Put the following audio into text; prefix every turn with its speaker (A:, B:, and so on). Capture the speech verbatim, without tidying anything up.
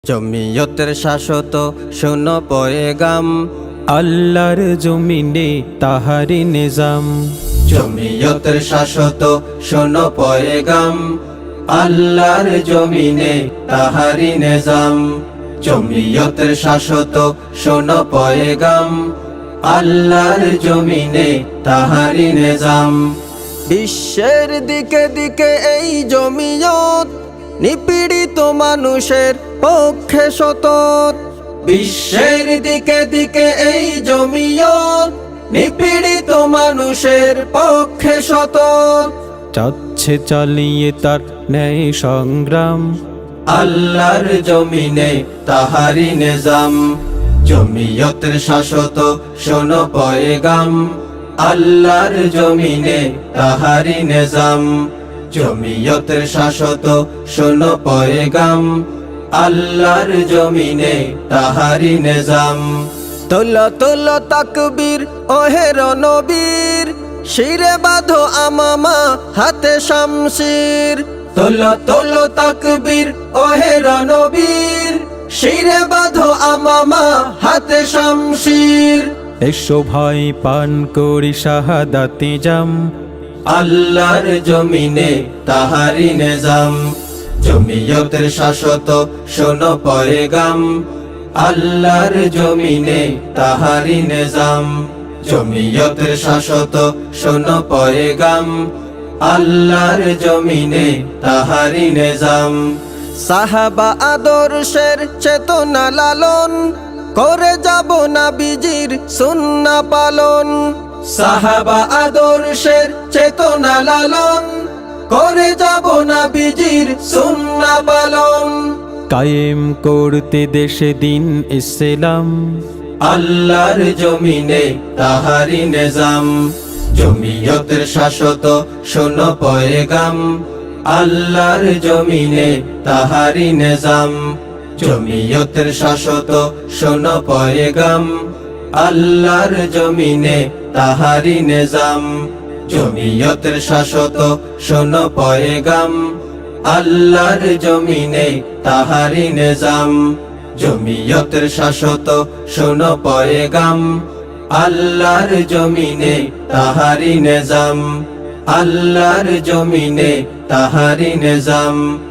A: জমিয়তের শাশ্বত শোনো পয়গাম,
B: আল্লাহর জমিনে তাহারি নিজাম।
A: জমিয়তের শাশ্বত শোনো পয়গাম, আল্লাহর জমিনে তাহারি নিজাম। জমিয়তের শাশ্বত শোনো পয়গাম, আল্লাহর জমিনে তাহারি নিজাম। বিশ্বের দিকে দিকে এই জমিয়ত, নিপীড়িত মানুষের পক্ষে সতত। বিশ্বের দিকে দিকে এই জমিয়ত, নিপীড়িত মানুষের পক্ষে সতত।
B: চাচ্ছে চালিয়ে তার ন্যায় সংগ্রাম,
A: আল্লাহর জমিনে তাহারি নিজাম। জমিয়তের শাশ্বত শোনো পয়গাম, আল্লাহর জমিনে তাহারি নিজাম। জমিয়তের শাশ্বত শোনো পয়গাম, আল্লাহর জমিনে তাহারি নিজাম। তোলো তোলো তাকবীর ওহে রণবীর, শিরে বাঁধো আমামা হাতে শামশির। তোলো তোলো তাকবীর ওহে রণবীর, শিরে বাঁধো আমামা হাতে শামশির।
B: এসো ভাই পান করি শাহাদাতি জাম,
A: আল্লাহর জমিনে তাহারি নিজাম। জমিয়তের শাশ্বত শোনো পয়গাম, আল্লাহর জমিনে তাহারি নিজাম। জমিয়তের শাশ্বত শোনো পয়গাম, আল্লাহর জমিনে তাহারি নিজাম। সাহাবা আদর্শের চেতনা লালন, করে যাব নবীজির সুন্নাহ পালন। সাহাবা আদর্শের চেতনা লালন, করে যাব নবীজির সুন্নাহ পালন।
B: কায়েম করতে দেশে দিন ইসলাম,
A: আল্লাহর জমিনে তাহারি নিজাম। জমিয়তের শাশ্বত শোনো পয়গাম, আল্লাহর জমিনে তাহারি নিজাম। জমিয়তের শাশ্বত শোনো পয়গাম, আল্লাহর জমিনে তাহারি নিজাম। জমিয়তের শাশ্বত শোনো পয়গাম, আল্লাহর জমিনে তাহারি নিজাম। জমিয়তের শাশ্বত শোনো পয়গাম, আল্লাহর জমিনে তাহারি নিজাম। আল্লাহর জমিনে তাহারি নিজাম।